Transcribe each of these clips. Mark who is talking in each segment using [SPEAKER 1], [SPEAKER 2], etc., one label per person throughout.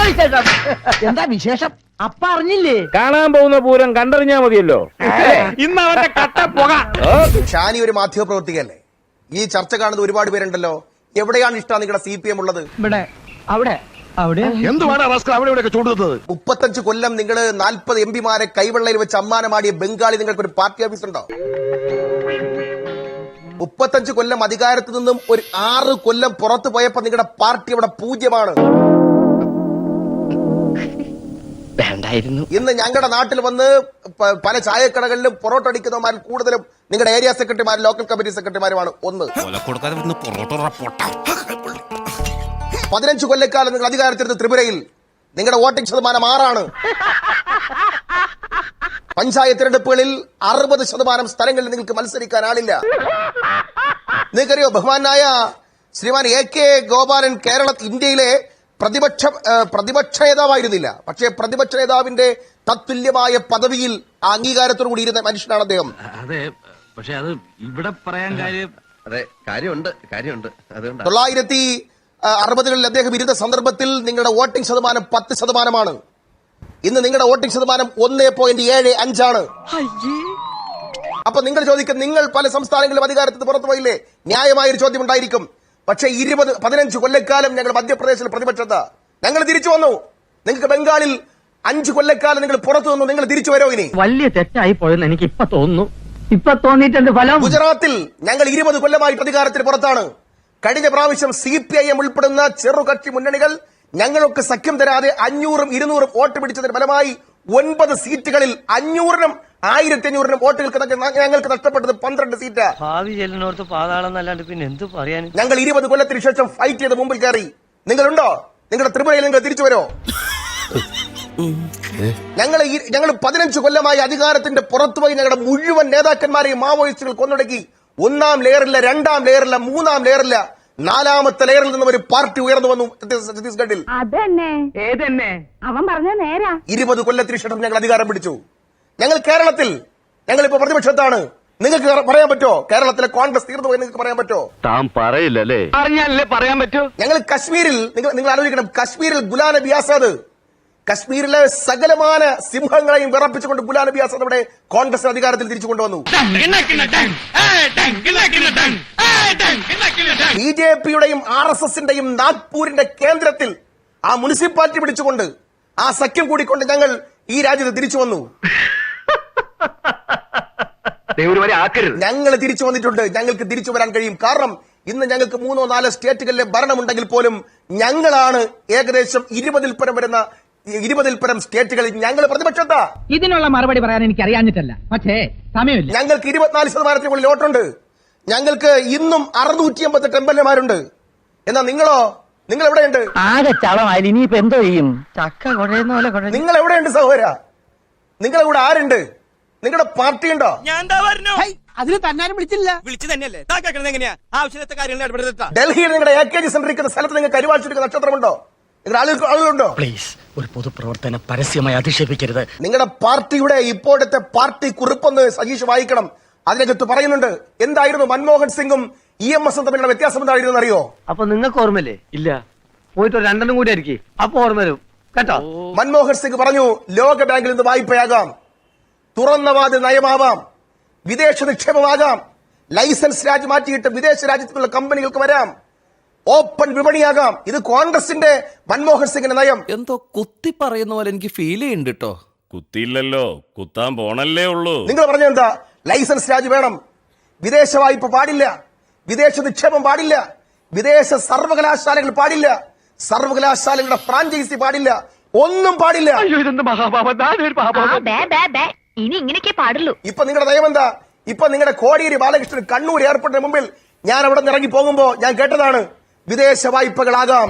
[SPEAKER 1] എന്താ വിശേഷം? അപ്പ അറിഞ്ഞില്ലേ?
[SPEAKER 2] കാണാൻ പോകുന്ന പൂരം കണ്ടറിഞ്ഞാ മതിയല്ലോ. ഇന്ന് അവന്റെ കട്ട പുക.
[SPEAKER 3] ഷാനി ഒരു മാധ്യമപ്രവർത്തകയല്ലേ? ഈ ചർച്ച കാണുന്ന ഒരുപാട് പേരുണ്ടല്ലോ. എവിടെയാണ് ഇഷ്ടം നിങ്ങളുടെ CPM ഉള്ളത്?
[SPEAKER 1] ഇവിടെ, അവിടെ, അവിടെ.
[SPEAKER 4] എന്തുവാണ് അവിടെ ഇവിടെയൊക്കെ ചൂടുന്നത്?
[SPEAKER 3] 35 കൊല്ലം നിങ്ങൾ 40 MP കൈവെള്ളയിൽ വെച്ച് അമ്മാനമാടിയ ബംഗാളി നിങ്ങൾക്ക് ഒരു പാർട്ടി ഓഫീസ് ഉണ്ടോ? 35 കൊല്ലം അധികാരത്തിൽ നിന്നും ഒരു 6 കൊല്ലം പുറത്തു പോയപ്പോ നിങ്ങളുടെ പാർട്ടി അവിടെ പൂജ്യമാണ്. ഇന്ന് ഞങ്ങളുടെ നാട്ടിൽ വന്ന് പല ചായക്കടകളിലും പൊറോട്ട അടിക്കുന്നവന്മാരിൽ കൂടുതലും നിങ്ങളുടെ ഏരിയ സെക്രട്ടറിമാരും ലോക്കൽ കമ്മിറ്റി സെക്രട്ടറിമാരുമാണ്. 15 കൊല്ലക്കാലം നിങ്ങൾ അധികാരത്തിരുന്ന ത്രിപുരയിൽ നിങ്ങളുടെ വോട്ടിംഗ് ശതമാനം 6ആണ്. പഞ്ചായത്ത് തെരഞ്ഞെടുപ്പുകളിൽ 60% സ്ഥലങ്ങളിൽ നിങ്ങൾക്ക് മത്സരിക്കാൻ ആളില്ല. നിങ്ങൾക്കറിയോ, ബഹുമാനായ ശ്രീമാൻ AK ഗോപാലൻ ഇന്ത്യയിലെ പ്രതിപക്ഷ നേതാവായിരുന്നില്ല. പക്ഷേ പ്രതിപക്ഷ നേതാവിന്റെ തത്തുല്യമായ പദവിയിൽ അംഗീകാരത്തോടു കൂടി ഇരുന്ന മനുഷ്യനാണ് അദ്ദേഹം.
[SPEAKER 5] അതെ, പക്ഷെ അത് ഇവിടെ പറയാൻ കാര്യമുണ്ട്.
[SPEAKER 3] 1960കളിൽ അദ്ദേഹം ഇരുന്ന സന്ദർഭത്തിൽ നിങ്ങളുടെ വോട്ടിംഗ് ശതമാനം 10%. ഇന്ന് നിങ്ങളുടെ വോട്ടിംഗ് ശതമാനം 1.75 ആണ്. അപ്പൊ നിങ്ങൾ ചോദിക്കും, നിങ്ങൾ പല സംസ്ഥാനങ്ങളിലും അധികാരത്തിൽ പുറത്തു പോയില്ലേ? ന്യായമായൊരു ചോദ്യം ഉണ്ടായിരിക്കും. പക്ഷേ 15 കൊല്ലക്കാലം ഞങ്ങൾ മധ്യപ്രദേശിൽ പ്രതിപക്ഷത ഞങ്ങൾ തിരിച്ചു വന്നു. നിങ്ങൾക്ക് ബംഗാളിൽ 5 കൊല്ലക്കാലം നിങ്ങൾ പുറത്തു വന്നു. നിങ്ങൾ തിരിച്ചു വരോ? ഇനി
[SPEAKER 1] വലിയ തെറ്റായി പോയെന്ന് എനിക്ക് ഇപ്പൊ തോന്നുന്നു. ഇപ്പൊ തോന്നിയിട്ടുണ്ട് ഫലം.
[SPEAKER 3] ഗുജറാത്തിൽ ഞങ്ങൾ 20 കൊല്ലമായിട്ട് അധികാരത്തിന് പുറത്താണ്. കഴിഞ്ഞ പ്രാവശ്യം CPIM ഉൾപ്പെടുന്ന ചെറുകക്ഷി മുന്നണികൾ ഞങ്ങളൊക്കെ സഖ്യം തരാതെ 500ഉം 200ഉം വോട്ട് പിടിച്ചതിന് ഫലമായി 9 സീറ്റുകളിൽ 500നും 1500നും വോട്ടുകൾക്ക് ഞങ്ങൾക്ക് നഷ്ടപ്പെട്ടത് 12 സീറ്റ്.
[SPEAKER 6] ഭാവി ചെല്ലിനോർത്ത് പാതാളം എന്നല്ലാണ്ട് പിന്നെ എന്ത് പറയാൻ?
[SPEAKER 3] ഞങ്ങൾ 20 കൊല്ലത്തിന് ശേഷം ഫൈറ്റ് ചെയ്ത് മുമ്പിൽ കയറി. നിങ്ങളുണ്ടോ? നിങ്ങളുടെ ത്രിപുരയിൽ നിങ്ങൾ തിരിച്ചു വരോ? ഞങ്ങൾ 15 കൊല്ലമായി അധികാരത്തിന്റെ പുറത്തുപോയി ഞങ്ങളുടെ മുഴുവൻ നേതാക്കന്മാരെയും മാവോയിസ്റ്റുകൾ കൊന്നൊടുക്കി. 1ാം ലെയറില്ല, 2ാം ലെയറില്ല, 3ാം ലെയറില്ല, 4ാമത്തെ ലെയറിൽ നിന്നും ഒരു പാർട്ടി ഉയർന്നു വന്നു ഛത്തീസ്ഗഡിൽ.
[SPEAKER 7] അവൻ പറഞ്ഞ നേരാ.
[SPEAKER 3] 20 കൊല്ലത്തിന് ശേഷം ഞങ്ങൾ അധികാരം പിടിച്ചു. ഞങ്ങൾ കേരളത്തിൽ ഞങ്ങളിപ്പോ പ്രതിപക്ഷത്താണ്. നിങ്ങൾക്ക് പറയാൻ പറ്റോ കേരളത്തിലെ കോൺഗ്രസ് തീർന്നു പോയി? നിങ്ങൾക്ക് പറയാൻ പറ്റോ?
[SPEAKER 4] താൻ പറയില്ലല്ലേ?
[SPEAKER 2] അറിഞ്ഞാലേ പറയാൻ പറ്റൂ.
[SPEAKER 3] ഞങ്ങൾ കശ്മീരിൽ നിങ്ങൾ ആലോചിക്കണം, കശ്മീരിൽ ഗുലാം നബി ആസാദ്, കശ്മീരിലെ സകലമാന സിംഹങ്ങളെയും വിറപ്പിച്ചുകൊണ്ട് ഗുലാം നബി ആസാദ് അവിടെ കോൺഗ്രസ് അധികാരത്തിൽ തിരിച്ചു കൊണ്ടുവന്നു. BJPയുടെയും RSSന്റെയും നാഗ്പൂരിന്റെ കേന്ദ്രത്തിൽ ആ മുനിസിപ്പാലിറ്റി പിടിച്ചുകൊണ്ട് ആ സഖ്യം കൂടിക്കൊണ്ട് ഞങ്ങൾ ഈ രാജ്യത്ത് തിരിച്ചു വന്നു. ഞങ്ങൾ തിരിച്ചു വന്നിട്ടുണ്ട്. ഞങ്ങൾക്ക് തിരിച്ചു വരാൻ കഴിയും. കാരണം ഇന്ന് ഞങ്ങൾക്ക് 3 or 4 സ്റ്റേറ്റുകളിലെ ഭരണമുണ്ടെങ്കിൽ പോലും ഞങ്ങളാണ് ഏകദേശം 20ൽ പരം സ്റ്റേറ്റുകളിൽ ഞങ്ങൾ പ്രതിപക്ഷത്താ.
[SPEAKER 1] ഇതിനുള്ള മറുപടി പറയാൻ എനിക്ക് അറിയാഞ്ഞിട്ടല്ല, പക്ഷേ സമയമില്ല.
[SPEAKER 3] ഞങ്ങൾക്ക് 24% മുകളിൽ വോട്ടുണ്ട്. ഞങ്ങൾക്ക് ഇന്നും 658 MLAമാരുണ്ട്. എന്നാ നിങ്ങളോ? നിങ്ങൾ എവിടെയുണ്ട്?
[SPEAKER 1] ആകെ ചളമായാലും ഇനിയിപ്പോ എന്തോ ചെയ്യും? ചക്ക കുഴയുന്ന പോലെ.
[SPEAKER 3] നിങ്ങൾ എവിടെയുണ്ട് സഹോദര? നിങ്ങളെ കൂടെ ആരുണ്ട്? നിങ്ങളുടെ പാർട്ടി ഉണ്ടോ?
[SPEAKER 1] അതിന് തന്നാരും വിളിച്ചില്ല.
[SPEAKER 3] ഡൽഹിയിൽ നിങ്ങളുടെ AKG സെന്റർ ഇരിക്കുന്ന സ്ഥലത്ത് നിങ്ങൾക്ക് കരുവാഴ്ച നക്ഷത്രമുണ്ടോ? നിങ്ങളുടെ ആളുകളുണ്ടോ?
[SPEAKER 6] പ്ലീസ്, ഒരു പൊതുപ്രവർത്തനം പരസ്യമായി അധിക്ഷേപിക്കരുത്.
[SPEAKER 3] നിങ്ങളുടെ പാർട്ടിയുടെ ഇപ്പോഴത്തെ പാർട്ടി കുറിപ്പൊന്ന് സജീഷ് വായിക്കണം. അതിനകത്ത് പറയുന്നുണ്ട് എന്തായിരുന്നു മൻമോഹൻ സിംഗും EMS തമ്മിലുള്ള വ്യത്യാസം എന്തായിരുന്നു അറിയോ?
[SPEAKER 6] അപ്പൊ നിങ്ങൾക്ക് ഓർമ്മയില്ലേ? ഇല്ല, പോയിട്ട് 2 കൂടി ആയിരിക്കും, അപ്പൊ ഓർമ്മ വരും കേട്ടോ.
[SPEAKER 3] മൻമോഹൻ സിംഗ് പറഞ്ഞു, ലോക ബാങ്കിൽ നിന്ന് വായ്പയാകാം, തുറന്ന വാതിൽ നയമാവാം, വിദേശ നിക്ഷേപമാകാം, ലൈസൻസ് രാജ്യം മാറ്റിയിട്ട് വിദേശ രാജ്യത്തുള്ള കമ്പനികൾക്ക് വരാം, ഓപ്പൺ വിപണിയാകാം. ഇത് കോൺഗ്രസിന്റെ മൻമോഹൻ സിംഗിന്റെ നയം.
[SPEAKER 8] എന്തോ കുത്തി പറയുന്ന പോലെ എനിക്ക് ഫീൽ ചെയ്യുന്നുണ്ട് കേട്ടോ.
[SPEAKER 9] കുത്തിയില്ലല്ലോ, കുത്താൻ പോണല്ലേ ഉള്ളൂ.
[SPEAKER 3] നിങ്ങൾ പറഞ്ഞ എന്താ? ലൈസൻസ് രാജ്യം വേണം, വിദേശ വായ്പ പാടില്ല, വിദേശ നിക്ഷേപം പാടില്ല, വിദേശ സർവകലാശാലകൾ പാടില്ല, സർവകലാശാലകളുടെ ഫ്രാഞ്ചൈസി പാടില്ല, ഒന്നും പാടില്ല.
[SPEAKER 7] ഇനി ഇങ്ങനെയൊക്കെ പാടുള്ളൂ.
[SPEAKER 3] ഇപ്പൊ നിങ്ങളുടെ നയം എന്താ? ഇപ്പൊ നിങ്ങളുടെ കോടിയേരി ബാലകൃഷ്ണൻ കണ്ണൂർ എയർപോർട്ടിന് മുമ്പിൽ ഞാൻ അവിടെ നിന്ന് ഇറങ്ങി പോകുമ്പോ ഞാൻ കേട്ടതാണ്, വിദേശ വായ്പകളാകാം.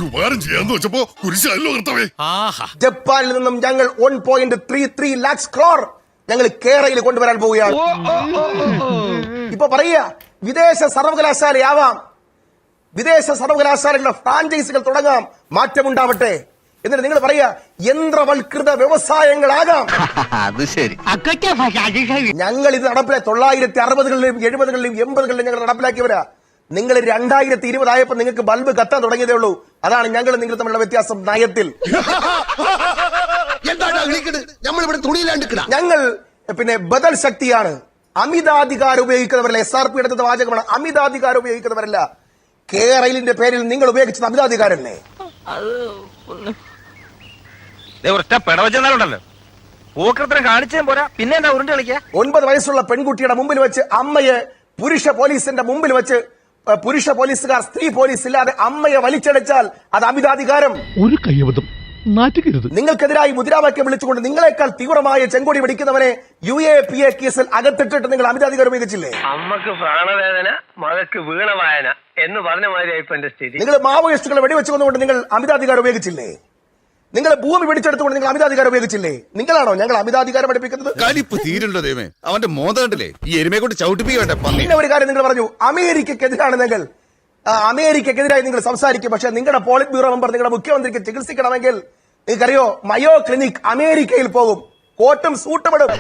[SPEAKER 3] ജപ്പാനിൽ നിന്നും ഞങ്ങൾ 1.33 lakhs crore ഞങ്ങൾ കേരളയിൽ കൊണ്ടുവരാൻ പോവുകയാണ്. ഇപ്പൊ പറയുക, വിദേശ സർവകലാശാലയാവാം, വിദേശ സർവകലാശാലകളുടെ ഫ്രാഞ്ചൈസികൾ തുടങ്ങാം, മാറ്റമുണ്ടാവട്ടെ. എന്നിട്ട് നിങ്ങൾ പറയാ യന്ത്രവൽകൃത വ്യവസായങ്ങളാകാം.
[SPEAKER 4] അത് ശരി.
[SPEAKER 3] ഞങ്ങൾ ഇത് നടപ്പിലാക്കി 1960കളിലും 70കളിലും 80കളിലും ഞങ്ങൾ നടപ്പിലാക്കിയവരാ. നിങ്ങൾ 2020 ആയപ്പോൾ നിങ്ങൾക്ക് ബൾബ് കത്താൻ തുടങ്ങിയതേ ഉള്ളൂ. അതാണ് ഞങ്ങൾ നിങ്ങൾ തമ്മിലുള്ള വ്യത്യാസം നയത്തിൽ. ഞങ്ങൾ പിന്നെ ബദൽ ശക്തിയാണ്. അമിതാധികാരം ഉപയോഗിക്കുന്നവരല്ല. SRP എടുത്ത വാചകമാണ്. അമിതാധികാരം ഉപയോഗിക്കുന്നവരല്ല. കേരളിന്റെ പേരിൽ നിങ്ങൾ ഉപയോഗിച്ചത് അമിതാധികാരല്ലേ?
[SPEAKER 2] ഒറ്റ പിടവച്ചെന്നാലുണ്ടല്ലോ പൂക്കൃത്രം കാണിച്ചേ പോരാ, പിന്നെ എന്താ ഉരുണ്ട് കളിക്കാ?
[SPEAKER 3] 9 വയസ്സുള്ള പെൺകുട്ടിയുടെ മുമ്പിൽ വെച്ച് അമ്മയെ പുരുഷ പോലീസിന്റെ മുമ്പിൽ വെച്ച് പുരുഷ പോലീസുകാർ സ്ത്രീ പോലീസ് ഇല്ലാതെ അമ്മയെ വലിച്ചടച്ചാൽ അത് അമിതാധികാരം.
[SPEAKER 9] ഒരു കയ്യബദ്ധം നാറ്റുകരുത്.
[SPEAKER 3] നിങ്ങൾക്കെതിരായി മുദ്രാവാക്യം വിളിച്ചുകൊണ്ട് നിങ്ങളെക്കാൾ തീവ്രമായ ചെങ്കൊടി പിടിക്കുന്നവനെ UAPA കേസിൽ അകത്തിട്ടിട്ട് നിങ്ങൾ അമിതാധികാരം ഉപയോഗിച്ചില്ലേ?
[SPEAKER 6] അമ്മക്ക് പ്രാണവേദന, മകക്ക് വീണവായന എന്ന് പറഞ്ഞ മാതിരിയായി ഇപ്പൊ എന്റെ സ്ഥിതി.
[SPEAKER 3] നിങ്ങൾ മാവോയിസ്റ്റുകളെ വെടിവെച്ചുകൊണ്ടുകൊണ്ട് നിങ്ങൾ അമിതാധികാരം ഉപയോഗിച്ചില്ലേ? നിങ്ങൾ ഭൂമി പിടിച്ചെടുത്തുകൊണ്ട് നിങ്ങൾ അമിതാധികാരം ഉപയോഗിച്ചില്ലേ? നിങ്ങളാണോ ഞങ്ങൾ അമിതാധികാരം പഠിപ്പിക്കുന്നത്?
[SPEAKER 4] കലിപ്പ് തീരുണ്ടോ ദൈവമേ, അവന്റെ മോത കണ്ടില്ലേ, ഈ എരുമയെ കൊണ്ട് ചവിട്ടിപ്പിക്കട്ടെ.
[SPEAKER 3] പിന്നെ ഒരു കാര്യം നിങ്ങൾ പറഞ്ഞു, അമേരിക്കക്കെതിരാണ് നിങ്ങൾ. അമേരിക്കക്കെതിരായി നിങ്ങൾ സംസാരിക്കും. പക്ഷെ നിങ്ങളുടെ പോളിറ്റ് ബ്യൂറോ മെമ്പർ നിങ്ങളുടെ മുഖ്യമന്ത്രിക്ക് ചികിത്സിക്കണമെങ്കിൽ നിങ്ങൾക്കറിയോ, മയോ ക്ലിനിക് അമേരിക്കയിൽ പോകും, കോട്ടും സൂട്ടും ഇടും.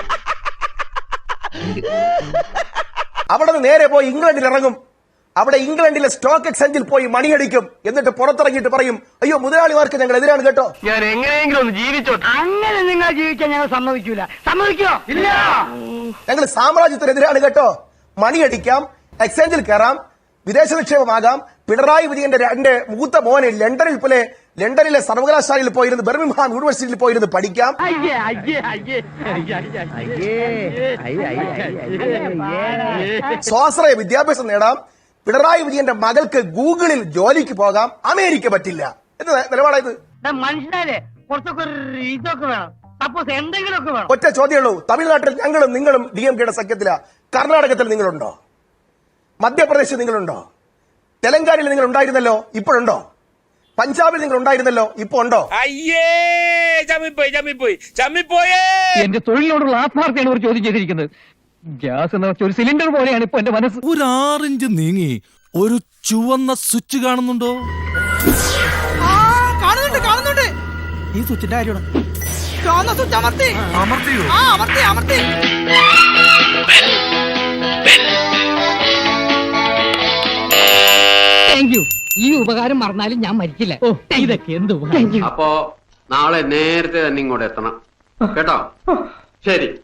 [SPEAKER 3] അവിടെ നിന്ന് നേരെ പോയി ഇംഗ്ലണ്ടിൽ ഇറങ്ങും. അവിടെ ഇംഗ്ലണ്ടിലെ സ്റ്റോക്ക് എക്സ്ചേഞ്ചിൽ പോയി മണിയടിക്കും. എന്നിട്ട് പുറത്തിറങ്ങിയിട്ട് പറയും, അയ്യോ മുതലാളിമാർക്ക് ഞങ്ങൾ എതിരാണ് കേട്ടോ.
[SPEAKER 6] ഞാൻ എങ്ങനെയെങ്കിലും ഒന്ന് ജീവിച്ചോട്ടെ.
[SPEAKER 1] അങ്ങനെ നിങ്ങൾ ജീവിക്കാൻ ഞങ്ങൾ സമ്മതിക്കൂല. സമ്മതിക്കോ? ഇല്ല.
[SPEAKER 3] ഞങ്ങൾ സാമ്രാജ്യത്തിനെതിരാണ് കേട്ടോ. മണിയടിക്കാം, എക്സ്ചേഞ്ചിൽ കയറാം, വിദേശ നിക്ഷേപമാകാം. പിണറായി വിജയന്റെ 2 മൂത്ത മോനെ ലണ്ടനിലെ സർവകലാശാലയിൽ പോയിരുന്ന്, ബർമിംഗ്ഹാം യൂണിവേഴ്സിറ്റിയിൽ പോയിരുന്ന് പഠിക്കാം. സ്വാശ്രയ വിദ്യാഭ്യാസം നേടാം. പിണറായി വിജയന്റെ മകൾക്ക് ഗൂഗിളിൽ ജോലിക്ക് പോകാം. അമേരിക്ക പറ്റില്ല. എന്ത് നിലപാടായത്?
[SPEAKER 1] മനുഷ്യനെ കുറച്ചൊക്കെ ഇതൊക്കെ വേണം. സപ്പോസ് എന്തെങ്കിലുമൊക്കെ വേണം.
[SPEAKER 3] ഒറ്റ ചോദ്യമുള്ളൂ. തമിഴ്നാട്ടിൽ ഞങ്ങളും നിങ്ങളും DMK-യുടെ സഖ്യത്തിലാ. കർണാടകത്തിൽ നിങ്ങളുണ്ടോ? മധ്യപ്രദേശിൽ നിങ്ങളുണ്ടോ? തെലങ്കാനയിൽ നിങ്ങൾ ഉണ്ടായിരുന്നല്ലോ, ഇപ്പോഴുണ്ടോ? പഞ്ചാബിൽ നിങ്ങൾ ഉണ്ടായിരുന്നല്ലോ, ഇപ്പൊ ഉണ്ടോ?
[SPEAKER 2] അയ്യേ ചമ്മിപ്പോയേ.
[SPEAKER 1] എന്റെ തൊഴിലിനോടുള്ള ആത്മാർത്ഥയാണ് ഒരു ചോദ്യം ചെയ്തിരിക്കുന്നത്. ഗ്യാസ് എന്ന് വെച്ച ഒരു സിലിണ്ടർ പോലെയാണ് ഇപ്പൊ എന്റെ മനസ്സ്.
[SPEAKER 8] ഒരു 6 ഇഞ്ച് നീങ്ങി ഒരു ചുവന്ന സ്വിച്ച് കാണുന്നുണ്ടോ?
[SPEAKER 1] കാണുന്നുണ്ട്. ഈ സ്വിച്ചിന്റെ കാര്യമാണ്. ചുവന്ന സ്വിച്ച് അമർത്തിയോ? അമർത്തി. Thank you. ഈ ഉപകാരം മറന്നാലും ഞാൻ മരിക്കില്ല. ഇതൊക്കെ എന്ത്?
[SPEAKER 6] അപ്പോ നാളെ നേരത്തെ തന്നെ ഇങ്ങോട്ട് എത്തണം കേട്ടോ. ശരി.